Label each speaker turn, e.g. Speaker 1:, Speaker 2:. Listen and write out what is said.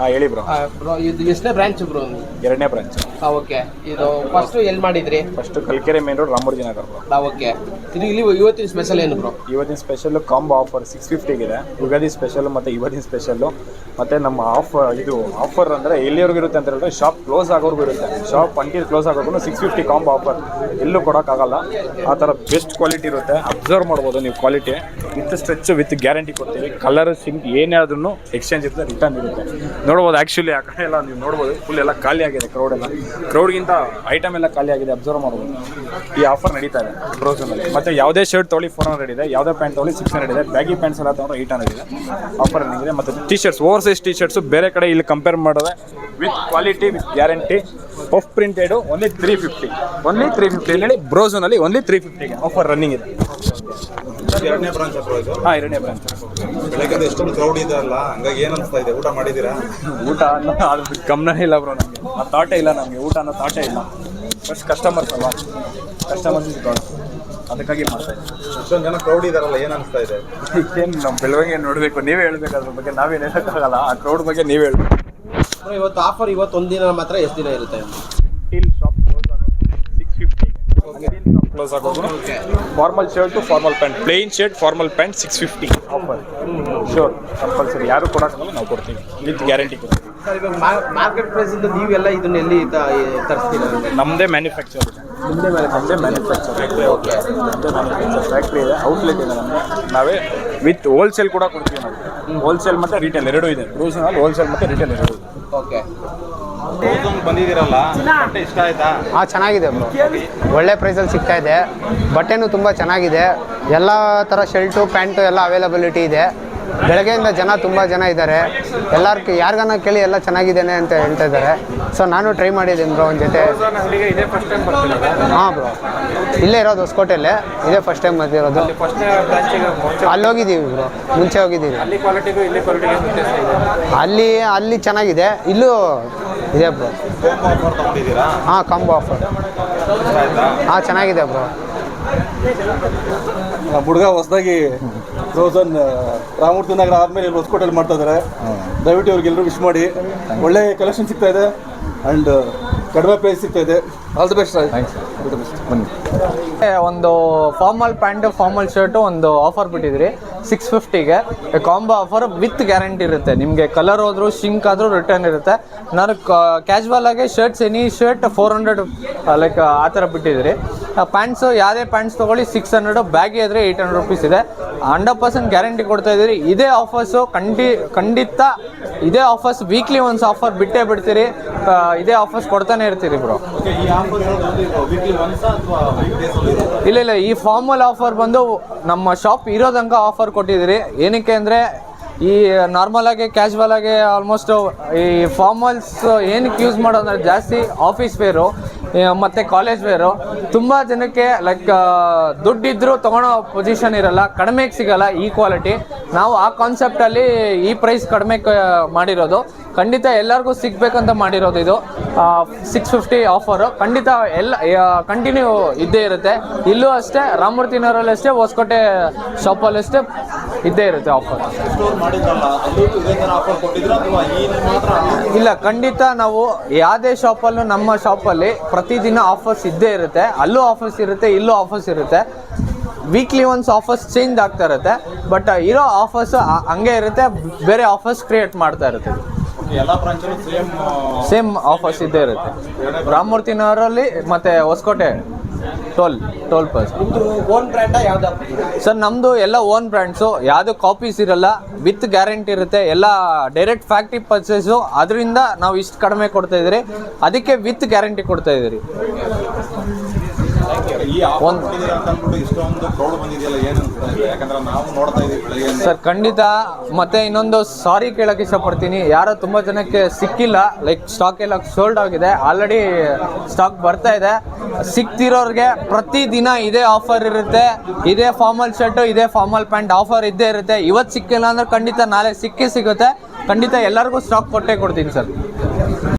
Speaker 1: ಹೇಳಿ bro.
Speaker 2: Bro ಇದು ಎಷ್ಟನೇ ಬ್ರಾಂಚ್ ಬ್ರೋ?
Speaker 1: ಎರಡನೇ ಬ್ರಾಂಚ್.
Speaker 2: ಓಕೆ. ಇದು ಫಸ್ಟ್ ಎಲ್ಲಿ ಮಾಡಿದ್ರಿ?
Speaker 1: First Kalkere main road Ramamurthy Nagar bro.
Speaker 2: Okay. ಇದು ಇಲ್ಲಿ ಇವತ್ತಿನ ಸ್ಪೆಷಲ್ ಏನು ಬ್ರೋ?
Speaker 1: ಇವತ್ತಿನ ಸ್ಪೆಷಲ್ ಕಾಂಬೋ ಆಫರ್ 650 ಇದೆ. ಯುಗಾದಿ ಸ್ಪೆಷಲ್ ಮತ್ತು ಇವತ್ತಿನ ಸ್ಪೆಷಲ್ಲು ಮತ್ತು ನಮ್ಮ ಆಫರ್ ಅಂದರೆ ಎಲ್ಲಿವರೆಗೂ ಇರುತ್ತೆ ಅಂತ ಹೇಳಿದ್ರೆ ಶಾಪ್ ಕ್ಲೋಸ್ ಆಗೋರ್ಗೂ ಇರುತ್ತೆ. ಶಾಪ್ ಅಂಟಿಲ್ ಕ್ಲೋಸ್ ಆಗೋರ್ಗು 650 ಕಾಂಬೋ ಆಫರ್ ಎಲ್ಲೂ ಕೊಡೋಕ್ಕಾಗಲ್ಲ. ಆ ಥರ ಬೆಸ್ಟ್ ಕ್ವಾಲಿಟಿ ಇರುತ್ತೆ. ಅಬ್ಸರ್ವ್ ಮಾಡ್ಬೋದು ನೀವು quality. With stretch with guarantee ಕೊಡ್ತೀವಿ. ಕಲರ್ ಸಿಂಕ್ ಏನೇ ಆದ್ರೂ ಎಕ್ಸ್ಚೇಂಜ್ ಇರುತ್ತೆ, ರಿಟರ್ನ್ ಇರುತ್ತೆ. ನೋಡ್ಬೋದು ಆ್ಯಕ್ಚುಲಿ ಆ ಕಡೆ ಎಲ್ಲ ನೀವು ನೋಡ್ಬೋದು ಫುಲ್ ಎಲ್ಲ ಖಾಲಿ ಆಗಿದೆ. ಕ್ರೌಡ್ಗಿಂತ ಐಟಮ್ ಎಲ್ಲ ಖಾಲಿ ಆಗಿದೆ, ಅಬ್ಸರ್ವ್ ಮಾಡ್ಬೋದು. ಈ ಆಫರ್ ನಡೀತಾ ಇದೆ ಬ್ರೌಸರ್ನಲ್ಲಿ. ಮತ್ತು ಯಾವುದೇ ಶರ್ಟ್ ತೊಗೊಳ್ಳಿ 400 ಇದೆ, ಯಾವುದೇ ಪ್ಯಾಂಟ್ ತೊಗೊಳ್ಳಿ 600 ಇದೆ, ಬ್ಯಾಗಿ ಪ್ಯಾಂಟ್ಸ್ ಎಲ್ಲ ತೊಗೊಂಡ್ರೆ 800 ಇದೆ. ಆಫರ್ ಇದೆ. ಮತ್ತು T shirts, over size T shirts ಬೇರೆ ಕಡೆ ಇಲ್ಲಿ ಕಂಪೇರ್ ಮಾಡಿದ್ರೆ with quality with guarantee puff printed only 350 ಹೇಳಿ ಬ್ರೌಸರ್ನಲ್ಲಿ ಓನ್ಲಿ 350ಗೆ ಆಫರ್ ರನ್ನಿಂಗ್ ಇದೆ.
Speaker 3: ಎರಡನೇ ಬ್ರಾಂಚ್ ಹತ್ರ ಇದು?
Speaker 1: ಹಾಂ, ಎರಡನೇ ಬ್ರಾಂಚ್.
Speaker 3: ಬೆಳಗ್ಗೆ ಎಷ್ಟೊಂದು ಕ್ರೌಡ್ ಇದೆ ಅಲ್ಲ, ಹಂಗಾಗಿ ಏನು ಅನಿಸ್ತಾ ಇದೆ? ಊಟ ಮಾಡಿದ್ದೀರಾ?
Speaker 1: ಊಟ ಅನ್ನೋ ಅದು ಗಮನ ಇಲ್ಲ ಬ್ರೋ. ನಮಗೆ ಆ ಥಾಟೇ ಇಲ್ಲ. ನಮಗೆ ಊಟ ಅನ್ನೋ ಥಾಟೇ ಇಲ್ಲ. ಫಸ್ಟ್ ಕಸ್ಟಮರ್ಸ್ ಅಲ್ವಾ, ಕಸ್ಟಮರ್ಸ್ ಅದಕ್ಕಾಗಿ ಮಾಡ್ತಾ ಇದ್ದೀವಿ.
Speaker 3: ಇಷ್ಟೊಂದು ಜನ ಕ್ರೌಡ್ ಇದಾರಲ್ಲ, ಏನು ಅನಿಸ್ತಾ ಇದೆ?
Speaker 1: ಏನು ನಮ್ಮ ಬೆಳವಣಿಗೆ ನೋಡಬೇಕು, ನೀವೇ ಹೇಳ್ಬೇಕು ಅದ್ರ ಬಗ್ಗೆ. ನಾವೇನು ಹೇಳೋಕ್ಕಾಗಲ್ಲ. ಆ ಕ್ರೌಡ್ ಬಗ್ಗೆ ನೀವೇ ಹೇಳ್ಬೇಕು.
Speaker 2: ಇವತ್ತು ಆಫರ್ ಇವತ್ತು ಒಂದಿನ ಮಾತ್ರ, ಎಷ್ಟು ದಿನ ಇರುತ್ತೆ?
Speaker 1: ಟಿಲ್ ಶಾಪ್ ಕ್ಲೋಸ್ ಆಗೋದು 650. ಕ್ಲೋಸ್ ಆಗೋದು. Formal shirt formal pant, plain shirt formal pant 650 offer. Sure compulsory. ಯಾರು ಕೊಡೋಕ್ಕಾಗಲ್ಲ, ನಾವು ಕೊಡ್ತೀವಿ ವಿತ್ ಗ್ಯಾರಂಟಿ ಕೊಡ್ತೀವಿ.
Speaker 2: ಸರ್, ಇವಾಗ ಮಾರ್ಕೆಟ್ ಪ್ರೈಸಿಂದ ನೀವೆಲ್ಲ ಇದನ್ನ ಎಲ್ಲಿ ತರಿಸ್ತೀರಾ?
Speaker 1: ನಮ್ಮದೇ ಮ್ಯಾನುಫ್ಯಾಕ್ಚರ್ ಇದೆ. ನಮ್ಮದೇ ಮ್ಯಾನುಫ್ಯಾಕ್ಚರ್ ಫ್ಯಾಕ್ಟ್ರಿ. ಓಕೆ. ನಮ್ಮದೇ ಮ್ಯಾನುಫ್ಯಾಕ್ಚರ್ ಫ್ಯಾಕ್ಟ್ರಿ ಇದೆ, ಔಟ್ಲೆಟ್ ಇದೆ ನಮ್ಮದೇ. ನಾವೇ ವಿತ್ ಹೋಲ್ಸೇಲ್ ಕೂಡ ಕೊಡ್ತೀವಿ ನಾವು. ಹೋಲ್ಸೇಲ್ ಮತ್ತು ರಿಟೇಲ್ ಎರಡೂ ಇದೆ. ಬ್ರೌಸರ್ನಲ್ಲಿ ಹೋಲ್ಸೇಲ್ ಮತ್ತು ರಿಟೇಲ್ ಎರಡೂ ಇದೆ.
Speaker 2: ಓಕೆ.
Speaker 3: ಬಂದಿದ್ದೀರಲ್ಲ, ಬಟ್ಟೆ ಇಷ್ಟ ಆಯ್ತಾ?
Speaker 4: ಹಾಂ, ಚೆನ್ನಾಗಿದೆ ಬ್ರೋ. ಒಳ್ಳೆ ಪ್ರೈಸಲ್ಲಿ ಸಿಗ್ತಾ ಇದೆ. ಬಟ್ಟೆನೂ ತುಂಬ ಚೆನ್ನಾಗಿದೆ. ಎಲ್ಲ ಥರ ಶರ್ಟು ಪ್ಯಾಂಟು ಎಲ್ಲ ಅವೈಲಬಿಲಿಟಿ ಇದೆ. ಬೆಳಗ್ಗೆಯಿಂದ ತುಂಬ ಜನ ಇದ್ದಾರೆ. ಎಲ್ಲರಿಗೂ ಯಾರಿಗಾನ ಕೇಳಿ ಎಲ್ಲ ಚೆನ್ನಾಗಿದ್ದೇನೆ ಅಂತ ಹೇಳ್ತಾ ಇದ್ದಾರೆ. ಸೊ ನಾನು ಟ್ರೈ ಮಾಡಿದ್ದೀನಿ ಬ್ರೋ ಒಂದು ಜೊತೆ. ಹಾಂ ಬ್ರೋ, ಇಲ್ಲೇ ಇರೋದು ಹೊಸಕೋಟೆಯಲ್ಲೇ. ಇದೇ ಫಸ್ಟ್ ಟೈಮ್ ಬಂದಿರೋದು. ಅಲ್ಲಿ ಹೋಗಿದ್ದೀವಿ ಬ್ರೋ, ಮುಂಚೆ ಹೋಗಿದ್ದೀವಿ. ಅಲ್ಲಿ ಚೆನ್ನಾಗಿದೆ, ಇಲ್ಲೂ ಇದೆ ಬ್ರೋ. ಹಾಂ, ಕಾಂಬೋ ಆಫರ್. ಹಾಂ, ಚೆನ್ನಾಗಿದೆ ಬ್ರೋ.
Speaker 5: ನಮ್ಮ ಹುಡುಗ ಹೊಸದಾಗಿ ಫ್ರೋಸನ್ ರಾಮೂರ್ತಿ ನಗರ ಆದಮೇಲೆ ಇಲ್ಲಿ ಹೊಸಕೋಟೆಯಲ್ಲಿ ಮಾಡ್ತಾ ಇದ್ದಾರೆ. ದಯವಿಟ್ಟು ಅವ್ರಿಗೆಲ್ಲರೂ ವಿಶ್ ಮಾಡಿ. ಒಳ್ಳೆ ಕಲೆಕ್ಷನ್ ಸಿಗ್ತಾ ಇದೆ ಆ್ಯಂಡ್ ಕಡಿಮೆ ಪ್ರೈಸ್ ಸಿಗ್ತಾ ಇದೆ. All the best.
Speaker 6: ಬನ್ನಿ. ಒಂದು ಫಾರ್ಮಲ್ ಪ್ಯಾಂಟು ಫಾರ್ಮಲ್ ಶರ್ಟು ಒಂದು ಆಫರ್ ಬಿಟ್ಟಿದ್ರಿ 650ಗೆ. ಕಾಂಬೋ ಆಫರ್ ವಿತ್ ಗ್ಯಾರಂಟಿ ಇರುತ್ತೆ. ನಿಮಗೆ ಕಲರ್ ಹೋದ್ರು ಶಿಂಕ್ ಆದರೂ ರಿಟರ್ನ್ ಇರುತ್ತೆ. ನಾನು ಕ್ಯಾಶುವಲ್ ಆಗಿ ಶರ್ಟ್ಸ್ ಎನಿ ಶರ್ಟ್ 400 ಲೈಕ್ ಆ ಥರ ಬಿಟ್ಟಿದ್ರಿ. ಪ್ಯಾಂಟ್ಸು ಯಾವುದೇ ಪ್ಯಾಂಟ್ಸ್ ತೊಗೊಳ್ಳಿ 600, ಬ್ಯಾಗಿ ಆದರೆ 800 ರುಪೀಸ್ ಇದೆ. 100% ಗ್ಯಾರಂಟಿ ಕೊಡ್ತಾ ಇದ್ದೀರಿ. ಇದೇ ಆಫರ್ಸು ಖಂಡಿತ ಇದೇ ಆಫರ್ಸ್ ವೀಕ್ಲಿ ಒನ್ಸ್ ಆಫರ್ ಬಿಟ್ಟೇ ಬಿಡ್ತೀರಿ. ಇದೇ ಆಫರ್ಸ್ ಕೊಡ್ತಾನೆ ಇರ್ತೀರಿ ಬ್ರೋ. ಇಲ್ಲ, ಈ ಫಾರ್ಮಲ್ ಆಫರ್ ಬಂದು ನಮ್ಮ ಶಾಪ್ ಇರೋದಂಗ ಆಫರ್ ಕೊಟ್ಟಿದ್ದೀರಿ. ಏನಕ್ಕೆ ಅಂದರೆ ಈ ನಾರ್ಮಲ್ ಆಗಿ ಕ್ಯಾಶುವಲ್ ಆಗಿ ಆಲ್ಮೋಸ್ಟ್ ಈ ಫಾರ್ಮಲ್ಸ್ ಏನಕ್ಕೆ ಯೂಸ್ ಮಾಡೋದಂದ್ರೆ ಜಾಸ್ತಿ ಆಫೀಸ್ ವೇರು ಮತ್ತು ಕಾಲೇಜ್ ವೇರು. ತುಂಬ ಜನಕ್ಕೆ ಲೈಕ್ ದುಡ್ಡಿದ್ರೂ ತೊಗೊಳೋ ಪೊಸಿಷನ್ ಇರಲ್ಲ, ಕಡಿಮೆಗೆ ಸಿಗಲ್ಲ ಈ ಕ್ವಾಲಿಟಿ. ನಾವು ಆ ಕಾನ್ಸೆಪ್ಟಲ್ಲಿ ಈ ಪ್ರೈಸ್ ಕಡಿಮೆ ಮಾಡಿರೋದು. ಖಂಡಿತ ಎಲ್ಲರಿಗೂ ಸಿಗಬೇಕಂತ ಮಾಡಿರೋದು ಇದು 650 ಆಫರು. ಖಂಡಿತ ಎಲ್ಲ ಕಂಟಿನ್ಯೂ ಇದ್ದೇ ಇರುತ್ತೆ. ಇಲ್ಲೂ ಅಷ್ಟೇ, ರಾಮಮೂರ್ತಿ ನಗರಲ್ಲಿ ಅಷ್ಟೇ, ಹೊಸಕೋಟೆ ಶಾಪಲ್ಲಿ ಅಷ್ಟೇ ಇದ್ದೇ ಇರುತ್ತೆ ಆಫರ್. ಇಲ್ಲ, ಖಂಡಿತ ನಾವು ಯಾವುದೇ ಶಾಪಲ್ಲೂ ನಮ್ಮ ಶಾಪಲ್ಲಿ ಪ್ರತಿದಿನ ಆಫರ್ಸ್ ಇದ್ದೇ ಇರುತ್ತೆ. ಅಲ್ಲೂ ಆಫರ್ಸ್ ಇರುತ್ತೆ, ಇಲ್ಲೂ ಆಫರ್ಸ್ ಇರುತ್ತೆ. ವೀಕ್ಲಿ ಒನ್ಸ್ ಆಫರ್ಸ್ ಚೇಂಜ್ ಆಗ್ತಾ ಇರುತ್ತೆ. ಬಟ್ ಇರೋ ಆಫರ್ಸ್ ಹಂಗೆ ಇರುತ್ತೆ, ಬೇರೆ ಆಫರ್ಸ್ ಕ್ರಿಯೇಟ್ ಮಾಡ್ತಾ ಇರುತ್ತೆ. ಸೇಮ್ ಆಫರ್ಸ್ ಇದ್ದೇ ಇರುತ್ತೆ. ರಾಮಮೂರ್ತಿ ನಗರಲ್ಲಿ ಮತ್ತು Hosakote toll pass.
Speaker 2: Own brand ಯಾವ್ದು
Speaker 6: ಸರ್? ನಮ್ಮದು ಎಲ್ಲ ಓನ್ ಬ್ರ್ಯಾಂಡ್ಸು, ಯಾವುದು ಕಾಪೀಸ್ ಇರಲ್ಲ, ವಿತ್ ಗ್ಯಾರಂಟಿ ಇರುತ್ತೆ. ಎಲ್ಲ ಡೈರೆಕ್ಟ್ ಫ್ಯಾಕ್ಟ್ರಿ ಪರ್ಚೇಸು. ಅದರಿಂದ ನಾವು ಇಷ್ಟು ಕಡಿಮೆ ಕೊಡ್ತಾಯಿದ್ದೀರಿ, ಅದಕ್ಕೆ ವಿತ್ ಗ್ಯಾರಂಟಿ ಕೊಡ್ತಾಯಿದ್ದೀರಿ. ಸರ್ ಖಂಡಿತ. ಮತ್ತೆ ಇನ್ನೊಂದು ಸಾರಿ ಕೇಳಕ್ಕೆ ಇಷ್ಟಪಡ್ತೀನಿ, ಯಾರೋ ತುಂಬ ಜನಕ್ಕೆ ಸಿಕ್ಕಿಲ್ಲ. ಲೈಕ್ ಸ್ಟಾಕ್ ಎಲ್ಲ ಸೋಲ್ಡ್ ಆಗಿದೆ, ಆಲ್ರೆಡಿ ಸ್ಟಾಕ್ ಬರ್ತಾ ಇದೆ. ಸಿಕ್ತಿರೋರಿಗೆ ಪ್ರತಿದಿನ ಇದೇ ಆಫರ್ ಇರುತ್ತೆ. ಇದೇ ಫಾರ್ಮಲ್ ಶರ್ಟು, ಇದೇ ಫಾರ್ಮಲ್ ಪ್ಯಾಂಟ್ ಆಫರ್ ಇದ್ದೇ ಇರುತ್ತೆ. ಇವತ್ತು ಸಿಕ್ಕಿಲ್ಲ ಅಂದ್ರೆ ಖಂಡಿತ ನಾಳೆ ಸಿಕ್ಕೇ ಸಿಗುತ್ತೆ. ಖಂಡಿತ ಎಲ್ಲರಿಗೂ ಸ್ಟಾಕ್ ಕೊಟ್ಟೇ ಕೊಡ್ತೀನಿ ಸರ್.